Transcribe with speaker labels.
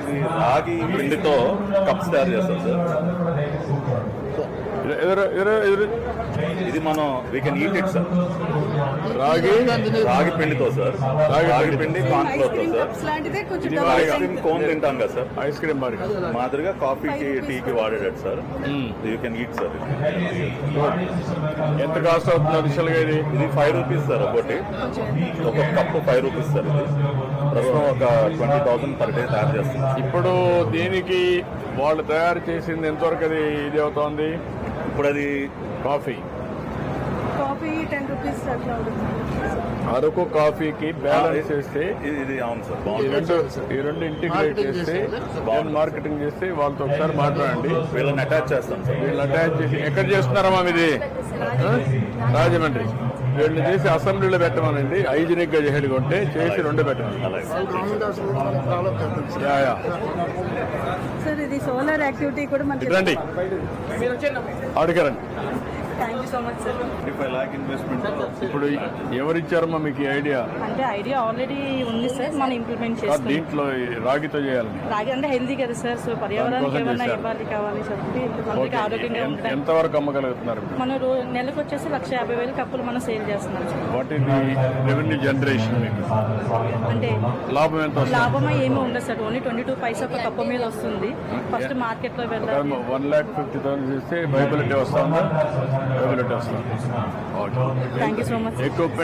Speaker 1: ఇది రాగి పిండితో కప్స్ తయారు చేస్తాం సార్. ఇది మనం we can eat it sir. రాగి పిండితో సార్. రాగి పిండి కార్న్ ఫ్లోర్ తో సార్. ఇది ఐస్ క్రీమ్ కోన్ తింటాం కదా సార్,
Speaker 2: ఐస్ క్రీమ్
Speaker 1: మాదిరిగా కాఫీకి టీకి వాడేటట్టు sir. You can eat sir.
Speaker 2: ఎంత కాస్ట్ అవుతుంది అడిషనల్గా?
Speaker 1: ఇది 5 రూపీస్ సార్ ఒకటి. ఒక కప్పు 5 రూపీస్ సార్. ఇది ప్రస్తుతం ఒక 20,000 పర్ డే తయారు చేస్తుంది.
Speaker 2: ఇప్పుడు దీనికి వాళ్ళు తయారు చేసింది ఎంతవరకు అది ఇది అవుతోంది?
Speaker 1: ఇప్పుడు అది
Speaker 2: కాఫీ
Speaker 3: 10 రూపీస్ అట్లా
Speaker 2: అరకు కాఫీకి బ్యాలెన్స్ చేస్తే
Speaker 1: ఇది అవును సార్.
Speaker 2: ఈ రెండు ఇంటిగ్రేట్ చేస్తే మార్కెటింగ్ చేస్తే వాళ్ళతో ఒకసారి మాట్లాడండి.
Speaker 1: వీళ్ళని అటాచ్ చేస్తాం సార్.
Speaker 2: వీళ్ళు అటాచ్ చేసి ఎక్కడ చేస్తున్నారమ్మా ఇది? రాజమండ్రి. వీళ్ళు చేసి అసెంబ్లీలో పెట్టమనండి. హైజీనిక్ గా చేసేది కొంటే చేసి 2 పెట్టండి.
Speaker 3: సార్ ఇది సోలార్ యాక్టివిటీ కూడా మనకి
Speaker 2: రండి, అడగరండి.
Speaker 3: Thank you so much sir.
Speaker 1: 25 lakh investment.
Speaker 2: ఇప్పుడు ఎవరిచ్చారమ్మా మీకు ఈ ఐడియా?
Speaker 3: అంటే ఐడియా ఆల్రెడీ ఉంది సార్, మనం ఇంప్లిమెంట్ చేస్తాం.
Speaker 2: దీంట్లో రాగితో చేయాలని.
Speaker 3: రాగి అంటే హెల్దీ కదా సార్, సో పర్యావరణానికి ఏమన్నా ఇవ్వాలి కావాలి చెప్పి అందరికీ ఆరోగ్యంగా ఉంటాయి.
Speaker 2: ఎంతవరకు అమ్మగలుగుతున్నారు?
Speaker 3: మనం నెలకు వచ్చేసి 150,000 కప్పులు మనం సేల్ చేస్తున్నాం sir.
Speaker 2: What is the revenue generation?
Speaker 3: అంటే
Speaker 2: లాభం ఎంత వస్తుంది?
Speaker 3: లాభం ఏమీ ఉండదు సార్, ఓన్లీ 22 పైసా ఒక కప్పు మీద వస్తుంది. ఫస్ట్ మార్కెట్ లో వెళ్ళాలి.
Speaker 2: 1,50,000 చేస్తే వైబిలిటీ వస్తుందా? వైబిలిటీ వస్తుంది.
Speaker 3: Thank you so much.
Speaker 2: ఎక్కువ